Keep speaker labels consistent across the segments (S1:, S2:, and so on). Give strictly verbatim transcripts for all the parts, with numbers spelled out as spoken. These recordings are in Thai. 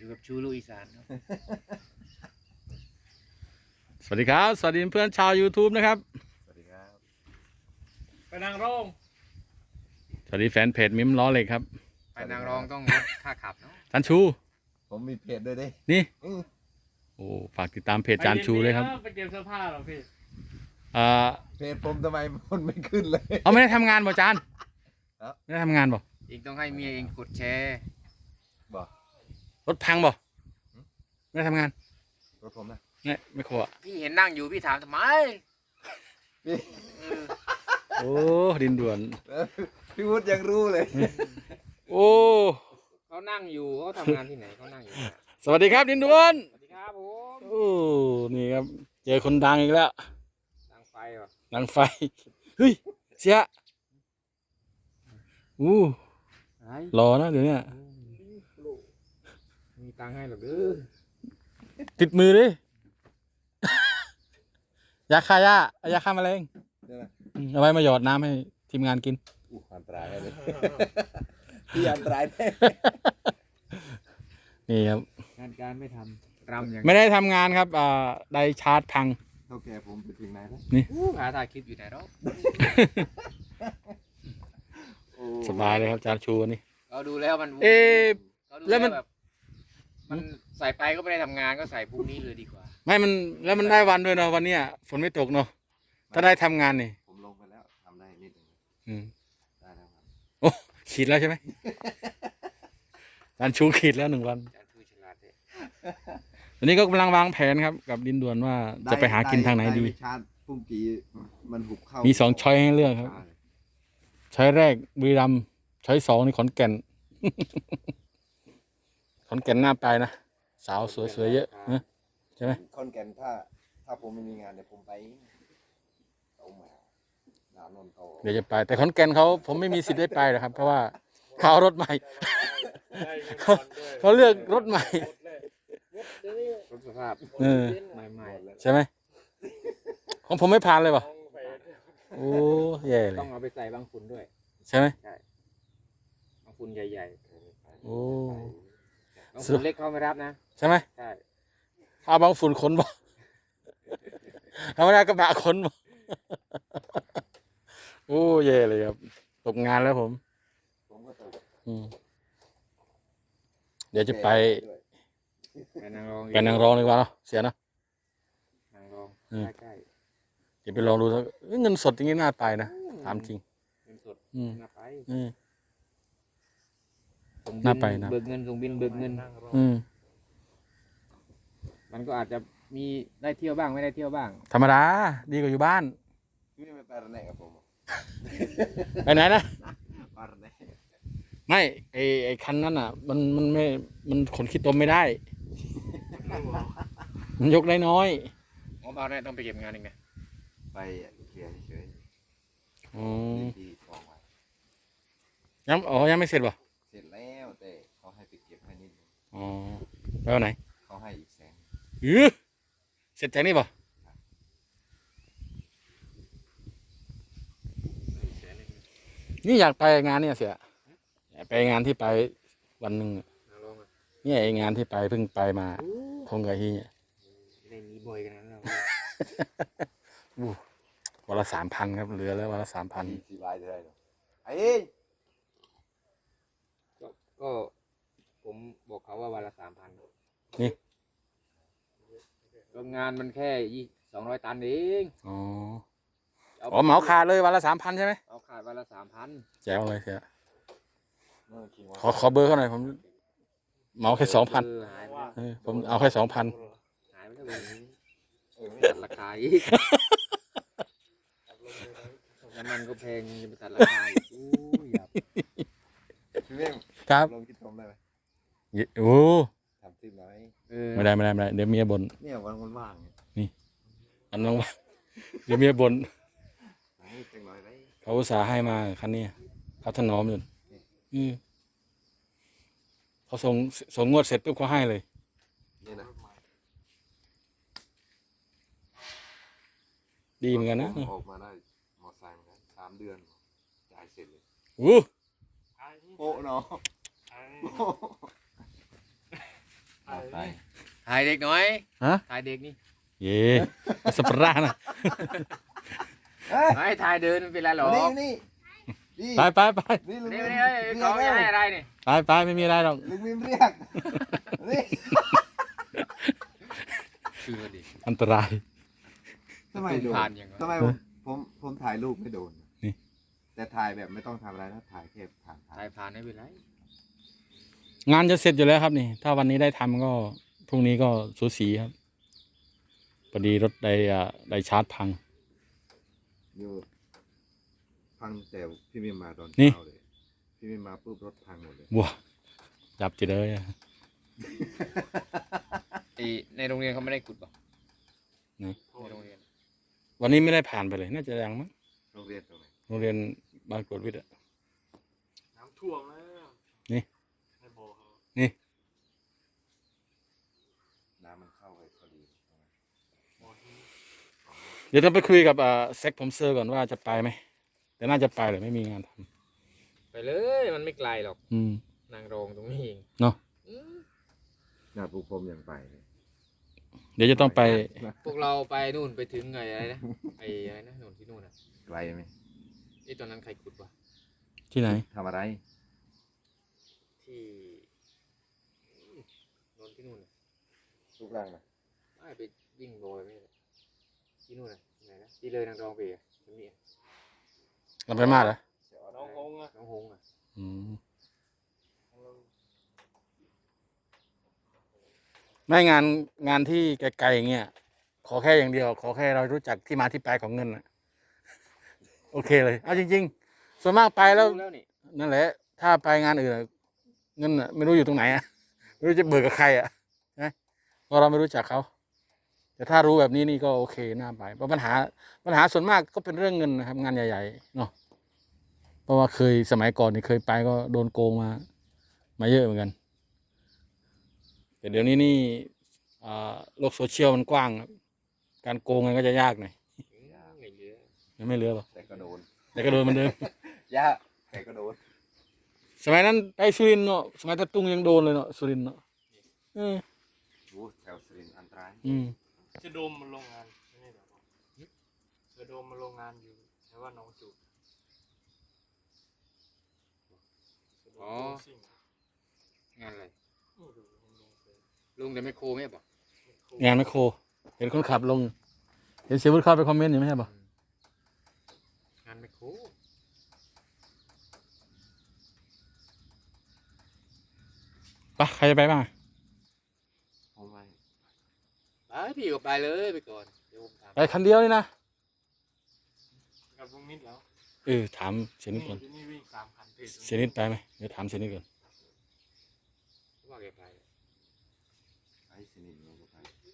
S1: อยู่กับชูลูกอีสานครับ
S2: สวัสดีครับสวัสดีเพื่อนชาว YouTube นะครับ
S3: สวัสดีครับ
S1: ไปนางรอง
S2: สวัสดีแฟนเพจมิมล้อเหล็กครับ
S1: ไปนางรองต้องลดค่าขับเนาะ
S2: จานชู
S3: ผมมีเพจด้วยดิ
S2: นี่
S3: อือ
S2: โอ้ฝากติดตามเพจจานชูเลยครับ
S1: ไปเตรียมเสื้อผ้าหรอพี่
S2: อ่า
S3: เพจผมทำไมมันไม่ขึ้นเลย
S2: เอาไม่ได้ทำงานบ่จาน
S3: ครับ
S2: ไม่ได้ทำงานบ่
S1: เองต้องให้เมียเองกดแชร์
S3: บอก
S2: รถพังบ่ไม่ได้ทำงาน
S3: รถผมนะ
S2: เนี่ยไม่ขวะ
S1: พี่เห็นนั่งอยู่พี่ถามทำไม
S3: พี่
S1: เออ
S2: โอ้ดินด่วน
S3: เออพี่วุฒิยังรู้เลย
S2: โอ้
S1: เขานั่งอยู่เขาทำงานที่ไหนเขานั่งอยู่เนี่ย
S2: สวัสดีครับดินด่วน
S1: สวัสดีครับผม
S2: โอ้นี่ครับเจอคนดังอีกแล้ว
S1: นั่งไฟวะ
S2: ดังไฟเฮ้ยเสียอู้
S1: ไอ้
S2: รอนะเดี๋ยวเนี้
S1: มีตังค์ให้หรอกเด้อ
S2: ติดมือดิ ยาฆ่าหญ้ายาฆ่าแมลง
S3: เดี๋ยวนะ
S2: อืมเอาไว้มาหยอดน้ำให้ทีมงานกิน
S3: อู้อันตรายแน่เลยพี่อันตรายแน่
S2: นี่ครับ
S1: งานการไม่ทำรำอย่าง
S2: ไม่ได้ทำงานครับอ่าได้ชาร์จพัง
S3: เท่าแก่ผมไปถึงไหนแล้ว
S1: อู้หาถ่ายคลิปอยู่ไหนหรอก
S3: โอ้
S2: สบายเลยครับจานชูนี่
S1: เราดูแล้วมัน
S2: เอ๊ะ
S1: เราดู
S2: แล้วมัน
S1: แบบมันใส่ไปก็ไม่ได้ทำงานก็ใส่พรุ่งนี้เลยดีกว่า
S2: ไม่มันแล้วมันได้วันด้วยเนาะวันเนี้ยฝนไม่ตกเนาะถ้าได้ทำงานนี่
S3: ผมลงไปแล้วทำได้นิดหนึง
S2: อืม
S3: ได้แล้วครับ
S2: โอ้ขีดแล้วใช่ไหม จานชูขีดแล้วหนึ่งวัน
S1: อาจารย์ผู้ฉลาดเลย
S2: วันนี้ก็กำลังวางแผนครับกับดินด่วนว่าจะไปหากินทางไหนดี
S3: ด้ชาร์จพุ่งกีมันหุบเข้า
S2: มี
S3: มี
S2: สองช้อยให้เลือกครับ ช้อยแรกบุรีรัมย์ช้อยสองนี่ขอนแก่น ขอนแก่นน่าไปนะสาวสวยๆเยอะนะใช่ไหม
S3: คอนแก่นถ้า ถ้าผมไม่มีงานเดี๋ยวผมไปเอามาดาวนนท์เขา
S2: เดี๋ยวจะไป แต่ขอนแก่นเขาผมไม่มีสิทธิ์ได้ไปหรอกครับ เพราะว่าเขาเอารถใหม่ เขาเขาเลือกรถใหม่
S1: รถสภาพ
S2: เออ
S1: ใหม่
S2: ใช่ไหมของผมไม่ผ่านเลยป่ะโอ้แย่เล
S1: ๆต้อย งเอาไปใส่บางฝุ่นด้วย
S2: ใช่ไหม
S1: บางฝุ่นใหญ่
S2: โอ้
S1: ๆบางฝุ่นเล็กเขาไม่รับนะ
S2: ใช่ไหม
S1: ใช่
S2: เอาบางฝุ่นขนบ่ธรรมดากระบะขนบ่โอ้แย่เลยครับตกงานแล้วผม
S3: ผมก็ตก
S2: อืมเดี๋ยวจะไป
S3: ด้วย
S1: ไปนางรอง
S2: ไปนางรองดีกว่าเนาะเสียเนาะ
S1: นางรอง
S2: อืม
S1: ใกล้
S2: เดี๋ยวไปลองดูสักเอ้ยเงินสดอย่างนี้น่าไปนะ
S1: ๆ
S2: ถามจริง
S1: เงินสด
S2: อืม
S1: น่าไป
S2: อืม
S1: ส่ง
S2: น่า
S1: บิ
S2: ไปนะ
S1: เบิกเงินส่งบินเบิกเงิน
S2: อืม
S1: มันก็อาจจะมีได้เที่ยวบ้างไม่ได้เที่ยวบ้าง
S2: ธรรมดาดีกว่าอยู่บ้าน
S3: พี่ไม่ไประแนกกับผม
S2: ไปไหนนะ
S3: ไประแนก
S2: ไม่ไอไอคันนั้นอ่ะ มันมันไม่มันขนขี้ตมไม่ได้ มันยกได้น้อย
S1: ผมเอาเนี่ยต้องไปเก็บงานอีกนะ
S3: ไปเคลียร์เฉย
S2: อ๋อ
S3: ๆดีๆสองวัน
S2: ยังอ๋อยังไม่เสร็จป่ะ
S3: เสร็จแล้วแต่เขาให้ไปเก็บให้นิดนึง
S2: อ๋อไปวันไหน
S3: เขาให้อีกแสน
S2: อือเสร็จจากนี่ป่ะนี่อยากไปงานเนี่ยเสียอยากไปงานที่ไปวันหนึ่งอะ
S1: นางรองอ่ะ
S2: เนี่ยไองานที่ไปเพิ่งไปมาทงกับฮีเนี่ย
S1: ได้มีบ่อยกันนั้นเรา
S2: อู้วันละสามพันครับเหลือแล้ววันละสามพัน
S3: สี่ลายเท่าไหร่เนาะไอ้
S1: ก็ก็ผมบอกเขาว่าวันละสามพัน
S2: นี่
S1: โรงงานมันแค่ยี่สองร้อยตันเอง
S2: อ๋ออ๋อเหมาขาดเลยวันละสามพันใช่ไหม
S1: เอาขาดวันละสามพัน
S2: แจ๋วเลยเสีย
S3: เมื่อกี้ว่า
S2: ขอขอเบอร์เขาหน่อยผมเหมาแค่สองพัน
S1: หายไป
S2: ผมเอาแค่สองพัน
S1: หายไปแล้วแบบนี้
S3: เออไม่
S1: ตัดราคาอีกน้ำมันก็แพงจะไปตัดราคาอีกอู้ยอย่า
S3: พี่เม่ง
S2: ครับ
S3: ลงคิดชมได้ไหม
S2: โอ้
S3: ทำซิมหน่อย
S1: เออ
S2: ไม่ได้ไม่ได้ไม่ได้เดี๋ยวเมียบ่น
S3: เนี่ยวันวันว่างเนี่ย
S2: อันน้องว่าเดี๋ยวเมียบ่น
S3: ให้จังหน่อยได้
S2: เขาอุตส่าห์ให้มาคันนี้เขาถนอมอยู่อืมเขาส่งส่งงวดเสร็จปุ๊บเขาให้เลย
S3: นี่นะ
S2: ดีเหมือนกันนะ
S3: ออกมาได้มอไซค์เหมือนกันสามเดือนจ่ายเสร็จเลย
S2: อู้
S3: โป๊ะเนาะไป
S1: ถ่ายเด็กหน่อย
S2: ฮะ
S1: ถ่ายเด็กนี่
S2: เย่สปาร่านะ
S3: เฮ้ย
S1: ไม่ถ่ายเดินไม่เป็นไรหรอก
S3: นี่นี่นี่
S2: ไปไปไป
S3: นี่ลุง
S1: นี่
S3: มิม
S1: นี่เอ้ย
S3: เรีย
S1: เขา
S3: ก
S1: จะ
S3: แล้ว
S1: ให้อะไรนี่
S2: ไปไปไม่มีอะไรหรอก
S3: ลุงมิมเรียกนี่
S1: คือดิ
S2: อันตราย
S3: ทำไมโดน
S1: ผ่านยังไง
S3: ทำไมผมผมผมถ่ายรูปไม่โดน
S2: นี่
S3: แต่ถ่ายแบบไม่ต้องทำอะไรนะถ่ายแค่ผ่านผ่าน
S1: ถ่ายผ่านไม่เป็นไร
S2: งานจะเสร็จอยู่แล้วครับนี่ ถ้าวันนี้ได้ทำก็พรุ่งนี้ก็สูสีครับพอดีรถไดอ่าไดชาร์จพัง
S3: อยู่พังแต่พี่มิมมาตอน
S2: นี่
S3: เช้าเลยพี่มิมมาปุ๊บรถพังหมดเลย
S2: บัวจับจีเลยอะ
S1: ไอในโรงเรียนเขาไม่ได้ขุดป่ะ
S2: ไหน
S1: ในโรงเรียน
S2: วันนี้ไม่ได้ผ่านไปเลย น่าจะยังมั้ง
S3: โรงเรียนตรงไหน
S2: โรงเรียนบ้านกวดวิทย์อะ
S4: น้ำท่วมแล้ว
S2: นี่
S4: ในบ่อเขา
S2: นี่
S3: น้ำมันเข้าไปพอดี
S4: บ่อที่
S2: เดี๋ยวต้องไปคุยกับอ่าเซ็กผมเซอร์ก่อนว่าจะไปไหมแต่น่าจะไปเลยไม่มีงานท
S1: ไปเลยมันไม่ไกลหรอก
S2: ำอืม
S1: นางรองตรงนี้เอง
S2: เนาะ
S1: อืม
S3: หน้าปูพรมยังไปเลย
S2: เดี๋ยวจะต้องไป
S1: พวกเราไปนู่นไปถึงไงอะไรนะไอ้อะไรนะนู่นที่นู่นอ่ะ
S3: ไกลไหม
S1: ไอ้ตอนนั้นใครขุดวะ
S2: ที่ไหน
S3: ทำอะไร
S1: ที่นู่นที่นู่นน่ะ
S3: ลูกรังนะ
S1: ไม่ไปวิ่งโรยไม่ได้ที่นู่นน่ะไหนนะที่เลยนางรองไปอ่ะจะมีอ่ะ
S2: เราไปมาเหรอ
S4: น้องฮงอ่ะ
S1: น้องหงส์อ่ะ
S2: อืมไม่งานงานที่ไกลๆอย่างเงี้ยขอแค่อย่างเดียว ขอแค่เรารู้จักที่มาที่ไปของเงินนะโอเคเลยเอาจริงๆ ส่วนมากไปแล้ว
S1: รู้แล้วนี่
S2: นั่นแหละ ถ้าไปงานอื่นอะเงินอะไม่รู้อยู่ตรงไหนอะไม่รู้จะเบิกกับใครอะนะเพราะเราไม่รู้จักเขาแต่ถ้ารู้แบบนี้นี่ก็โอเคน่าไปเพราะปัญหาปัญหาส่วนมากก็เป็นเรื่องเงินนะครับ งานใหญ่ๆเนาะเพราะว่าเคยสมัยก่อนนี่เคยไปก็โดนโกงมา มาเยอะเหมือนกันแต่เดี๋ยวนี้นี่อ่าโลกโซเชียลมันกว้างครับการโกงกันก็จะยากหน่อย
S1: อืมไม่เหลือ
S2: ยังไม่เหลือหรอก
S3: แต่ก็โดน
S2: แต่ก็โดนเหมือนเดิม
S3: ยากแต่ก็โดน
S2: สมัยนั้นไปสุรินทร์เนาะสมัยตะตุงยังโดนเลยเนาะสุรินทร์เนาะเออ
S3: โอ้แถวสุรินทร์อันตราย
S2: อืม
S4: เจะโดมมันโรงงานไม่ใช่เหรอเจะโดมมันโรงงานอยู่แต่ว่าน้องจูบเจะโดมโดมซิ่ง
S1: งานอะไร
S4: นี่ดูมันลงไป
S1: ลุงแต่ไม่โคไม่บอก
S2: งานแมคโคร เห็นคนขับลง เห็นเสียวุฒิเข้าไปคอมเมนต์อยู่ไม่ใช่ปะ
S1: งานไม่โค
S2: ปะใครจะไปบ้าง
S3: ผมไป
S1: ไปพี่ก็ไปเลยไปก่อนเดี๋ยวผมถาม
S2: ไปคันเดียวนี่นะ
S4: กับลุงนิดแล้ว
S2: เออถามเสียนิดก่อน
S4: ที่นี่วิ่งสามพันเพจ
S2: เสียนิดไปไหมเดี๋ยวถามเสียนิดก่อน
S1: ว่าแกไป
S3: ไอ้สนิทเราก็ไป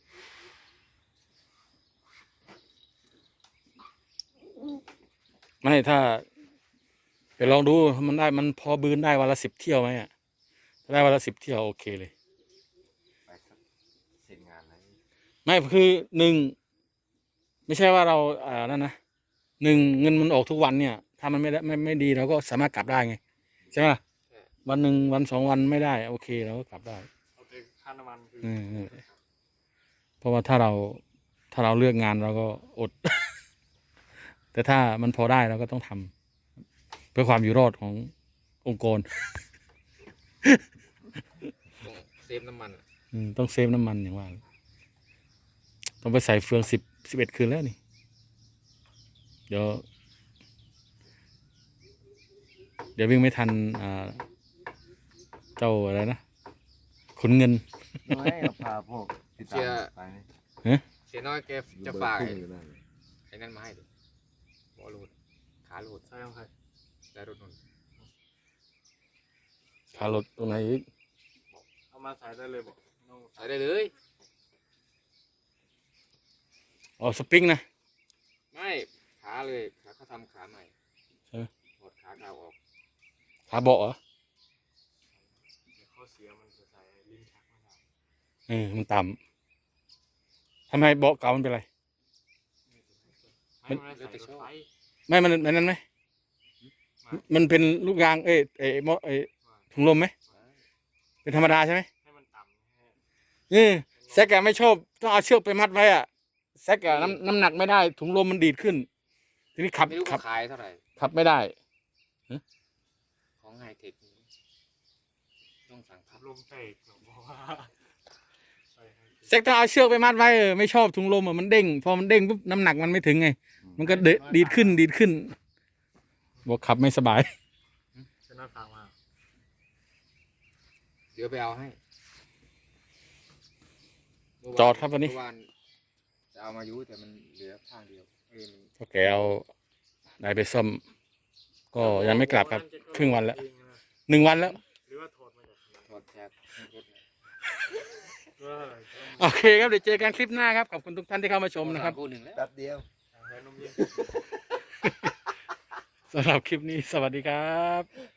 S2: ไม่ถ้าเดี๋ยวลองดูมันได้มันพอบืนได้วันละสิบเที่ยวไหมอ่ะถ้าได้วันละสิบเที่ยวโอเคเลย
S3: ไปสักเสร็จงานอะไร
S2: ไม่คือหนึ่งไม่ใช่ว่าเราอ่านั่นนะหนึ่งเงินมันออกทุกวันเนี่ย ถ้ามันไม่ได้ไม่ไม่ดีเราก็สามารถกลับได้ไงใช่ไหมล่ะวันหนึ่งวันสองวันไม่ได้โอเคเราก็กลับได้
S4: เอาไปค่าน้ำมันคือ
S2: อืมนั่นแหละเพราะว่าถ้าเราถ้าเราเลือกงานเราก็อด แต่ถ้ามันพอได้เราก็ต้องทำเพื่อความอยู่รอดขององค์กร
S1: ต้องเซฟน้ำมันอะ
S2: อืมต้องเซฟน้ำมันอย่างว่า ต้องไปใส่เฟืองสิบสิบเอ็ดคืนแล้วนี่ เดี๋ยว เดี๋ยววิ่งไม่ทันอ่าเจ้าอะไรนะขุนเงิน
S3: ไม่เราพาพวกติดตามไปไหม
S1: เสียน้อยแก
S3: อยู่
S1: จะ
S3: เบอร์
S1: ฝาก
S3: ทุ่
S1: ไอ้
S3: งอยู่นั่นเลย
S1: ไอ้นั่นมาให้ดิบอลูดขาลูด
S4: ใช่ของใคร
S1: ได้รถนน
S2: ขารถตรงไหนอีก
S4: เอามาใส่ได้เลยบอกน้อง
S1: ใส่ได้เลย
S2: อ๋อสปริงนะ
S1: ไม่ขาเลยขาเขาทำขาใหม่
S2: ใช่ไหม
S1: ถอดขาเก่าออก
S2: ขาเบาะเหรอ
S4: เดี๋ยวข้อเสียมันจะใส่ลิ้นชักไม่ได้
S2: เออมันต่ำทำไมเบาะเก่ามันเป็นไร
S4: ไม่ไม่ได้ใส่รถไฟ
S2: ไม่มันมันนั้นไหมมันเป็นลูกยางเอ้ยเอ้ยหม้อเอ้ยถุงลมไหมเป็นธรรมดาใช่ไหม
S4: ให้มันต่ำให้
S2: นี่แซกอะไม่ชอบต้องเอาเชือกไปมัดไว้อะแซกอะน้ำน้ำหนักไม่ได้ถุงลมมันดีดขึ้น ทีนี้ขับ
S1: ไม่รู้
S2: ขับ
S1: ขายเท่าไหร่
S2: ขับไม่ได้
S1: ของไฮเทคนี้ต้องสั่งพับ
S4: ลมแตกหรอเพราะว่าใส่ให้
S2: แซกต้องเอาเชือกไปมัดไว้เออไม่ชอบถุงลมอะมันเด้งพอมันเด้งปุ๊บน้ำหนักมันไม่ถึงไง มันก็เดะดีดขึ้นดีดขึ้นบอกขับไม่สบาย
S4: จะน่าฟังมาก
S1: เดี๋ยวไปเอาให้
S2: จอดครับวันนี้
S1: เมื่อวานจะเอามายุแต่มันเหลือข้างเดียวเอ้ยมัน
S2: พอแกเอาได้ไปซ่อม ก็ยังไม่กลับครับ ครึ่งวันแล้วหนึ่งวันแล้ว
S4: หรือว่าถอดมาจากไหน
S1: ถอดแชร์รถ
S4: ก็
S2: โอเคครับเดี๋ยวเจอกันคลิปหน้าครับขอบคุณทุกท่านที่เข้ามาชมนะครับ
S1: คู่หนึ่งแล้ว
S3: แป๊บเดียว
S4: ใส่นมเย็น
S2: สำหรับคลิปนี้สวัสดีครับ